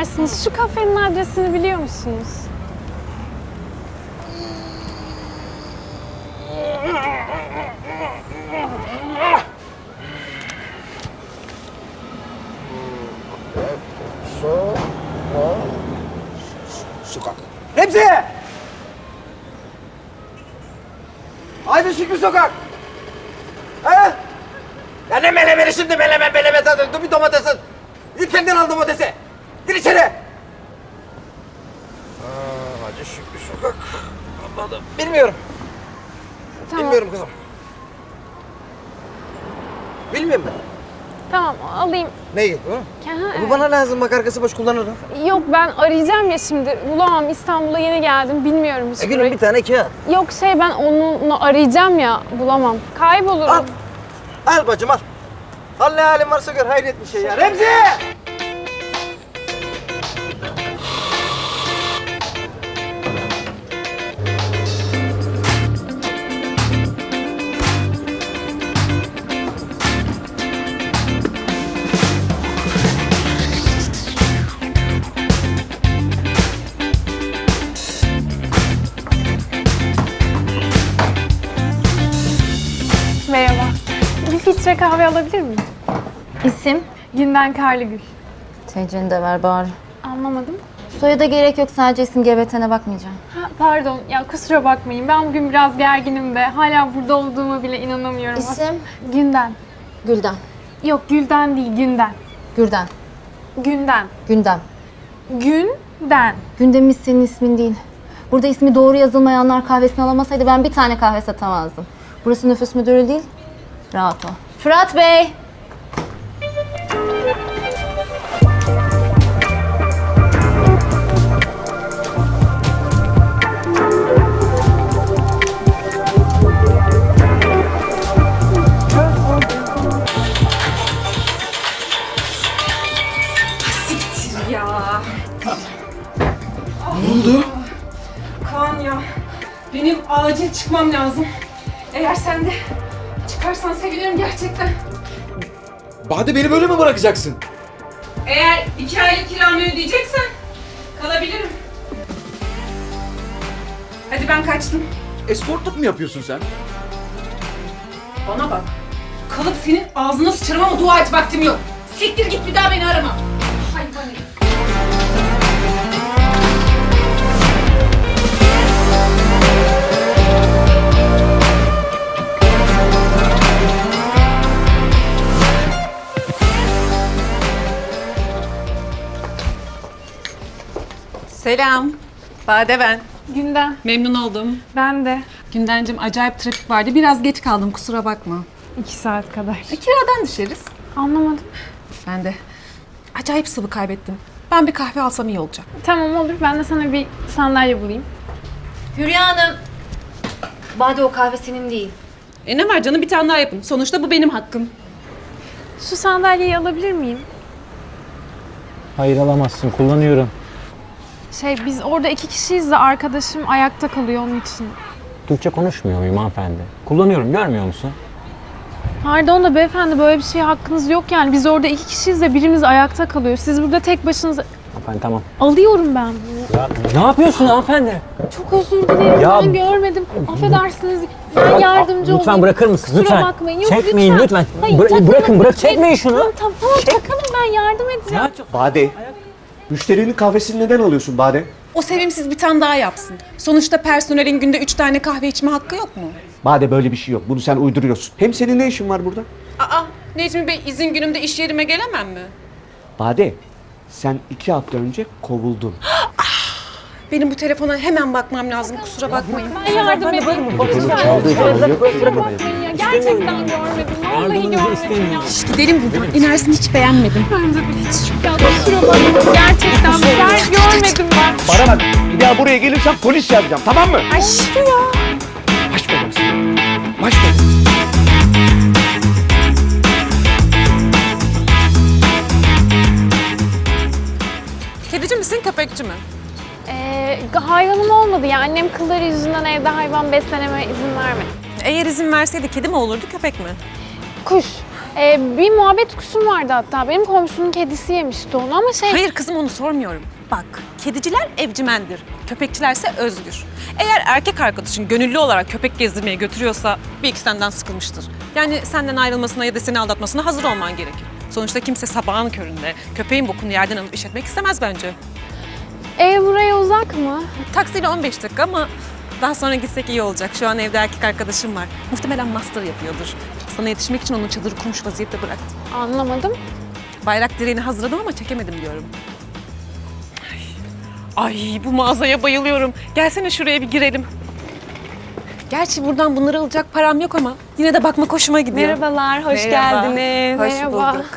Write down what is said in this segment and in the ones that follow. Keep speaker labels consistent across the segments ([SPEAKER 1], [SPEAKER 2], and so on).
[SPEAKER 1] Affedersiniz, şu kafenin adresini biliyor musunuz?
[SPEAKER 2] Sokak. Hepsi! Haydi Şükrü Sokak! Ha? Ya ne melemeni şimdi meleme tadın. Dur bir domates at. Git kendin al domatesi. Gir içeri. Hacı Şükrü Sokak. Anladım. Bilmiyorum.
[SPEAKER 1] Tamam.
[SPEAKER 2] Bilmiyorum kızım. Bilmiyorum ben.
[SPEAKER 1] Tamam, alayım.
[SPEAKER 2] Neyi? Bu?
[SPEAKER 1] Ha,
[SPEAKER 2] Bu
[SPEAKER 1] evet.
[SPEAKER 2] bana lazım. Bak arkası boş kullanırım.
[SPEAKER 1] Yok, ben arayacağım ya şimdi. Bulamam, İstanbul'a yeni geldim. Bilmiyorum hiç
[SPEAKER 2] Gülüm
[SPEAKER 1] burayı.
[SPEAKER 2] bir tane kağıt.
[SPEAKER 1] Yok ben onunla arayacağım ya. Bulamam. Kaybolurum.
[SPEAKER 2] Al. Al bacım al. Al ne halin varsa gör. Hayret bir şey ya. Remzi!
[SPEAKER 1] Merhaba. Bir filtre kahve alabilir miyim?
[SPEAKER 3] İsim?
[SPEAKER 1] Günden Karlıgül.
[SPEAKER 3] TC'ni de ver bari.
[SPEAKER 1] Anlamadım.
[SPEAKER 3] Soyada gerek yok, sadece isim GBT'ne bakmayacağım.
[SPEAKER 1] Ha, pardon, ya kusura bakmayın. Ben bugün biraz gerginim de. Hala burada olduğuma bile inanamıyorum.
[SPEAKER 3] İsim?
[SPEAKER 1] Günden.
[SPEAKER 3] Gülden.
[SPEAKER 1] Yok, Gülden değil, Günden.
[SPEAKER 3] Gürden.
[SPEAKER 1] Günden.
[SPEAKER 3] Gündem.
[SPEAKER 1] Günden.
[SPEAKER 3] Gündemimiz senin ismin değil. Burada ismi doğru yazılmayanlar kahvesini alamasaydı ben bir tane kahve satamazdım. Burası nüfus müdürü değil, rahat ol. Fırat Bey!
[SPEAKER 4] Kaan ya, benim acil çıkmam lazım. Eğer sen de çıkarsan sevinirim gerçekten.
[SPEAKER 5] Bade beni böyle mi bırakacaksın?
[SPEAKER 4] Eğer 2 aylık kiramı ödeyeceksen kalabilirim. Hadi ben kaçtım.
[SPEAKER 5] Eskortluk mu yapıyorsun sen?
[SPEAKER 4] Bana bak. Kalıp senin ağzına sıçarım ama dua et, vaktim yok. Siktir git, bir daha beni arama. Hayvan herif. Selam. Bade ben.
[SPEAKER 1] Günden.
[SPEAKER 4] Memnun oldum.
[SPEAKER 1] Ben de.
[SPEAKER 4] Gündencim, acayip trafik vardı. Biraz geç kaldım, kusura bakma.
[SPEAKER 1] 2 saat kadar.
[SPEAKER 4] Kiradan düşeriz.
[SPEAKER 1] Anlamadım.
[SPEAKER 4] Ben de acayip sıvı kaybettim. Ben bir kahve alsam iyi olacak.
[SPEAKER 1] Tamam olur. Ben de sana bir sandalye bulayım.
[SPEAKER 3] Hülya Hanım! Bade o kahve senin değil.
[SPEAKER 4] Ne var canım, bir tane daha yapın. Sonuçta bu benim hakkım.
[SPEAKER 1] Şu sandalyeyi alabilir miyim?
[SPEAKER 6] Hayır alamazsın, kullanıyorum.
[SPEAKER 1] Biz orada 2 kişiyiz de arkadaşım ayakta kalıyor onun için.
[SPEAKER 6] Türkçe konuşmuyor muyum hanımefendi? Kullanıyorum, görmüyor musun?
[SPEAKER 1] Pardon da beyefendi, böyle bir şeye hakkınız yok yani. Biz orada 2 kişiyiz de birimiz ayakta kalıyor. Siz burada tek başınıza...
[SPEAKER 6] Hanımefendi tamam.
[SPEAKER 1] Alıyorum ben bunu.
[SPEAKER 6] Ya ne yapıyorsun hanımefendi?
[SPEAKER 1] Çok özür dilerim.
[SPEAKER 6] Ya-
[SPEAKER 1] Ben görmedim. Affedersiniz. Ben yardımcı olayım.
[SPEAKER 6] Lütfen bırakır mısın?
[SPEAKER 1] Kusura
[SPEAKER 6] Lütfen.
[SPEAKER 1] bakmayın. Yok,
[SPEAKER 6] Çekmeyin lütfen.
[SPEAKER 1] Hayır,
[SPEAKER 6] Bırakın, bırak.
[SPEAKER 1] Çek-
[SPEAKER 6] Çekmeyin şunu.
[SPEAKER 1] Tamam takalım, ben yardım edeceğim.
[SPEAKER 6] Ya,
[SPEAKER 7] Bade, müşterinin kahvesini neden alıyorsun Bade?
[SPEAKER 4] O sevimsiz bir tane daha yapsın. Sonuçta personelin günde 3 tane kahve içme hakkı yok mu?
[SPEAKER 7] Bade böyle bir şey yok. Bunu sen uyduruyorsun. Hem senin ne işin var burada?
[SPEAKER 4] Aa, Necmi Bey, izin günümde iş yerime gelemem mi?
[SPEAKER 7] Bade, sen 2 hafta önce kovuldun.
[SPEAKER 4] Benim bu telefona hemen bakmam lazım, kusura bakmayın.
[SPEAKER 1] Ben yardım edeyim. Kusura bakmayın ya. Gerçekten görmedim. Vallahi görmedim ya.
[SPEAKER 4] Gidelim buradan. İnersin, hiç beğenmedim.
[SPEAKER 1] Bence de hiç. Ya kusura bakmayın. Gerçekten ben görmedim ben.
[SPEAKER 7] Bana bak, bir daha buraya gelirsen polis çağıracağım, tamam mı?
[SPEAKER 1] Ay işte ya.
[SPEAKER 7] Baş belası. Baş belası.
[SPEAKER 4] Kedici misin, köpekçi mi?
[SPEAKER 1] Hayvanım olmadı ya. Annem kılları yüzünden evde hayvan besleneme izin vermedi.
[SPEAKER 4] Eğer izin verseydi kedi mi olurdu, köpek mi?
[SPEAKER 1] Kuş. Bir muhabbet kuşum vardı hatta. Benim komşunun kedisi yemişti onu ama
[SPEAKER 4] Hayır kızım, onu sormuyorum. Bak, kediciler evcimendir, köpekçilerse özgür. Eğer erkek arkadaşın gönüllü olarak köpek gezdirmeye götürüyorsa bir iki senden sıkılmıştır. Yani senden ayrılmasına ya da seni aldatmasına hazır olman gerekir. Sonuçta kimse sabahın köründe köpeğin bokunu yerden alıp işletmek istemez bence.
[SPEAKER 1] Ev buraya uzak mı?
[SPEAKER 4] Taksiyle 15 dakika ama daha sonra gitsek iyi olacak. Şu an evde erkek arkadaşım var. Muhtemelen master yapıyordur. Sana yetişmek için onun çadırı kurmuş vaziyette bıraktım.
[SPEAKER 1] Anlamadım.
[SPEAKER 4] Bayrak direğini hazırladım ama çekemedim diyorum. Ay bu mağazaya bayılıyorum. Gelsene şuraya bir girelim. Gerçi buradan bunları alacak param yok ama yine de bakmak hoşuma gidiyor.
[SPEAKER 1] Merhabalar, hoş
[SPEAKER 4] Merhaba.
[SPEAKER 1] geldiniz.
[SPEAKER 4] Hoş
[SPEAKER 1] Merhaba.
[SPEAKER 4] bulduk.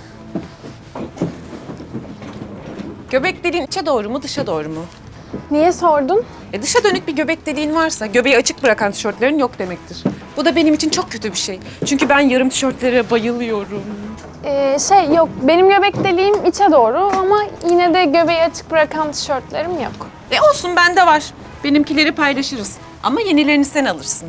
[SPEAKER 4] Göbek deliğin içe doğru mu, dışa doğru mu?
[SPEAKER 1] Niye sordun?
[SPEAKER 4] Dışa dönük bir göbek deliğin varsa göbeği açık bırakan tişörtlerin yok demektir. Bu da benim için çok kötü bir şey. Çünkü ben yarım tişörtlere bayılıyorum.
[SPEAKER 1] Yok, benim göbek deliğim içe doğru ama yine de göbeği açık bırakan tişörtlerim yok.
[SPEAKER 4] Olsun, bende var. Benimkileri paylaşırız. Ama yenilerini sen alırsın.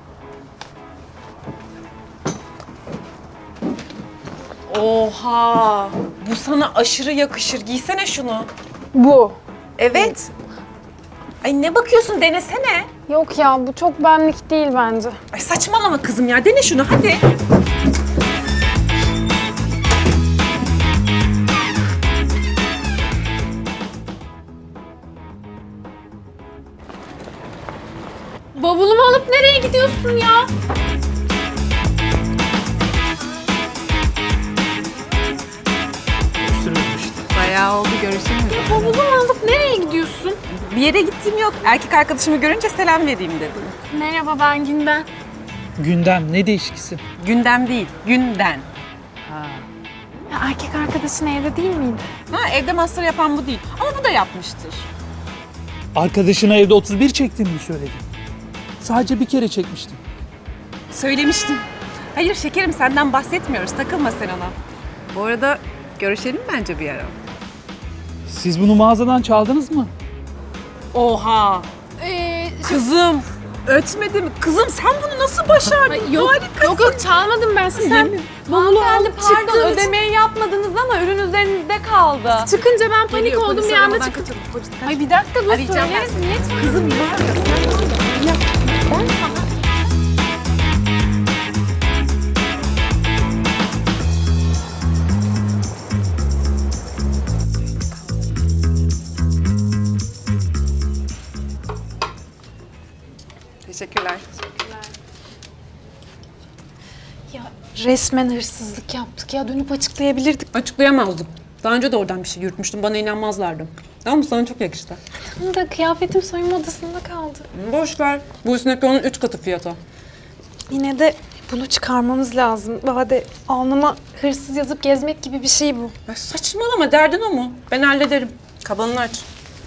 [SPEAKER 4] Oha! Bu sana aşırı yakışır. Giysene şunu.
[SPEAKER 1] Bu.
[SPEAKER 4] Evet. Ay ne bakıyorsun? Denesene.
[SPEAKER 1] Yok ya, bu çok benlik değil bence.
[SPEAKER 4] Ay saçmalama kızım ya. Dene şunu hadi.
[SPEAKER 1] Bavulumu alıp nereye gidiyorsun ya?
[SPEAKER 4] Bayağı oldu, görüşemiyoruz.
[SPEAKER 1] Bavulumu alıp nereye gidiyorsun?
[SPEAKER 4] Bir yere gittiğim yok. Erkek arkadaşımı görünce selam vereyim dedim.
[SPEAKER 1] Merhaba, ben Günden.
[SPEAKER 8] Gündem ne değişikisi?
[SPEAKER 4] Gündem değil, günden.
[SPEAKER 1] Ya, erkek arkadaşın evde değil miydi?
[SPEAKER 4] Ha, evde master yapan bu değil. Ama bu da yapmıştır.
[SPEAKER 8] Arkadaşına evde 31 çektiğini mi söyledin? Sadece bir kere çekmiştim.
[SPEAKER 4] Söylemiştim. Hayır şekerim, senden bahsetmiyoruz. Takılma sen ona. Bu arada görüşelim bence bir ara.
[SPEAKER 8] Siz bunu mağazadan çaldınız mı?
[SPEAKER 4] Oha! Kızım, ötmedi mi? Kızım sen bunu nasıl başardın? Harikasın.
[SPEAKER 1] Yok çalmadım ben size. Sen bavulu alıp çıktın.
[SPEAKER 9] Ödemeyi yapmadınız ama ürün üzerinizde kaldı.
[SPEAKER 1] Çıkınca ben panik
[SPEAKER 4] Geliyor,
[SPEAKER 1] oldum,
[SPEAKER 4] polis
[SPEAKER 1] bir anda
[SPEAKER 4] aramadan
[SPEAKER 1] çıktım.
[SPEAKER 4] kaçalım. Polis kaç.
[SPEAKER 1] Ay bir dakika dur,
[SPEAKER 4] Arayacağım ben
[SPEAKER 1] söyleriz.
[SPEAKER 4] seni.
[SPEAKER 1] Niye çağırdın?
[SPEAKER 4] Kızım var ya, Teşekkürler.
[SPEAKER 1] Ya resmen hırsızlık yaptık ya, dönüp açıklayabilirdik.
[SPEAKER 4] Açıklayamazdım. Daha önce de oradan bir şey yürütmüştüm. Bana inanmazlardı. Ama sana çok yakıştı.
[SPEAKER 1] Tam da kıyafetim soyunma odasında kaldı.
[SPEAKER 4] Boş ver. Bu üstündeki onun 3 katı fiyatı.
[SPEAKER 1] Yine de bunu çıkarmamız lazım. Bade alnıma hırsız yazıp gezmek gibi bir şey bu.
[SPEAKER 4] Ya saçmalama, derdin o mu? Ben hallederim. Kabanını aç.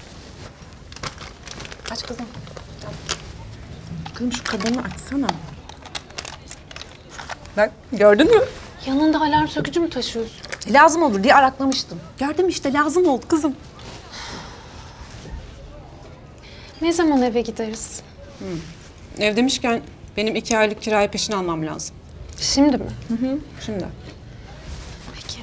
[SPEAKER 4] Aç kızım. Kızım şu kabanı açsana. Bak gördün mü?
[SPEAKER 1] Yanında alarm sökücü mü taşıyorsun?
[SPEAKER 4] Lazım olur diye araklamıştım. Gördüm işte, lazım oldu kızım.
[SPEAKER 1] Ne zaman eve gideriz?
[SPEAKER 4] Ev demişken benim 2 aylık kirayı peşin almam lazım.
[SPEAKER 1] Şimdi mi?
[SPEAKER 4] Şimdi.
[SPEAKER 1] Peki.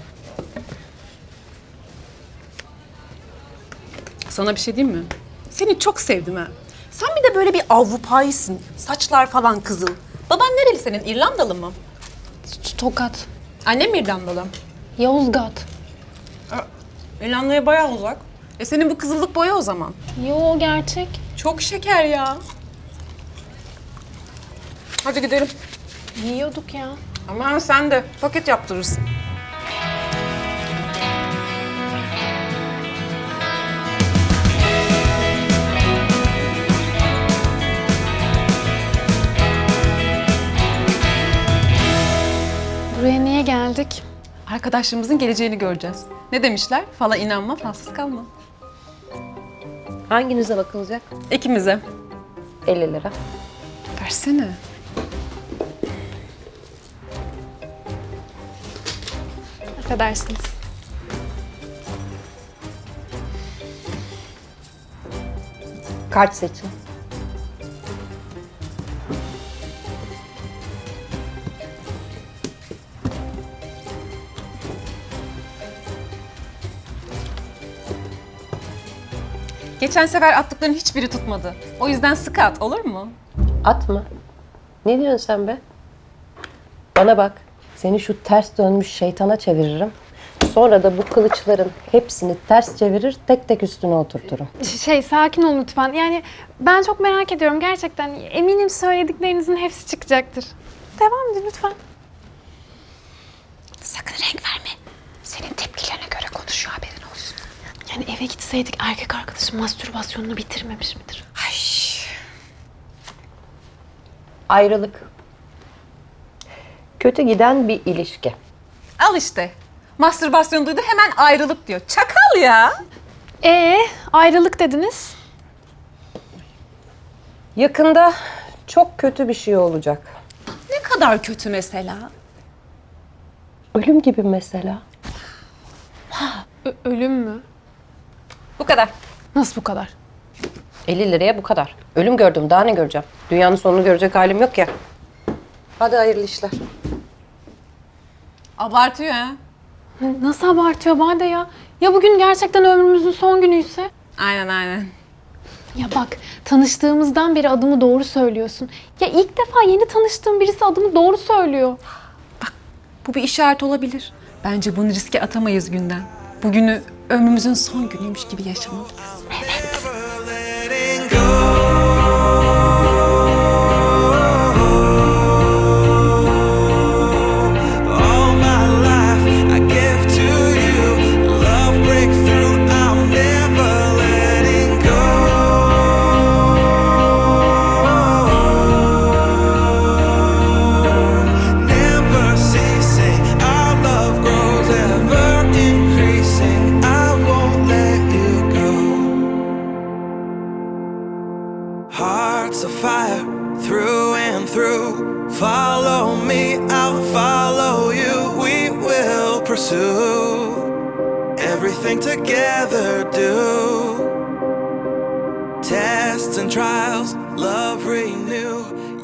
[SPEAKER 4] Sana bir şey diyeyim mi? Seni çok sevdim ha. Sen bir de böyle bir Avrupa'ysın. Saçlar falan kızıl. Baban nereli senin? İrlandalı mı?
[SPEAKER 1] Tokat.
[SPEAKER 4] Annem İrlandalı.
[SPEAKER 1] Yozgat.
[SPEAKER 4] İrlanda'ya bayağı uzak. Senin bu kızıllık boya o zaman.
[SPEAKER 1] Yo, gerçek.
[SPEAKER 4] Çok şeker ya. Hadi gidelim.
[SPEAKER 1] Yiyorduk ya.
[SPEAKER 4] Aman sen de paket yaptırırsın.
[SPEAKER 1] Buraya niye geldik?
[SPEAKER 4] Arkadaşlarımızın geleceğini göreceğiz. Ne demişler? Fala inanma, falsız kalma.
[SPEAKER 9] Hanginize bakılacak?
[SPEAKER 4] İkimize.
[SPEAKER 9] 50 lira.
[SPEAKER 4] Versene.
[SPEAKER 1] Affedersiniz.
[SPEAKER 9] Kart seçin.
[SPEAKER 4] Geçen sefer attıkların hiçbiri tutmadı. O yüzden sıkı at, olur mu?
[SPEAKER 10] At mı? Ne diyorsun sen be? Bana bak, seni şu ters dönmüş şeytana çeviririm. Sonra da bu kılıçların hepsini ters çevirir, tek tek üstüne oturturum.
[SPEAKER 1] Sakin olun lütfen. Yani ben çok merak ediyorum gerçekten. Eminim söylediklerinizin hepsi çıkacaktır. Devam edin lütfen.
[SPEAKER 4] Sakın renk verme. Senin tepkilerine göre konuşuyor, haberin olsun.
[SPEAKER 1] Yani eve gitseydik erkek arkadaşım mastürbasyonunu bitirmemiş midir?
[SPEAKER 10] Ayrılık. Kötü giden bir ilişki.
[SPEAKER 4] Al işte. Mastürbasyon duydu, hemen ayrılık diyor. Çakal ya.
[SPEAKER 1] Ayrılık dediniz.
[SPEAKER 10] Yakında çok kötü bir şey olacak.
[SPEAKER 4] Ne kadar kötü mesela?
[SPEAKER 10] Ölüm gibi mesela.
[SPEAKER 1] Ölüm mü?
[SPEAKER 4] Bu kadar.
[SPEAKER 1] Nasıl bu kadar?
[SPEAKER 10] 50 liraya bu kadar. Ölüm gördüm, daha ne göreceğim? Dünyanın sonunu görecek halim yok ya. Hadi hayırlı işler.
[SPEAKER 4] Abartıyor ha.
[SPEAKER 1] Nasıl abartıyor Bade ya? Ya bugün gerçekten ömrümüzün son günüyse?
[SPEAKER 4] Aynen.
[SPEAKER 1] Ya bak, tanıştığımızdan beri adımı doğru söylüyorsun. Ya ilk defa yeni tanıştığım birisi adımı doğru söylüyor.
[SPEAKER 4] Bu bir işaret olabilir. Bence bunu riske atamayız günden. Bugünü ömrümüzün son günüymüş gibi yaşamalıyız.
[SPEAKER 11] Hearts of fire through and through. Follow me, I'll follow you. We will pursue everything together. Do tests and trials, love renew.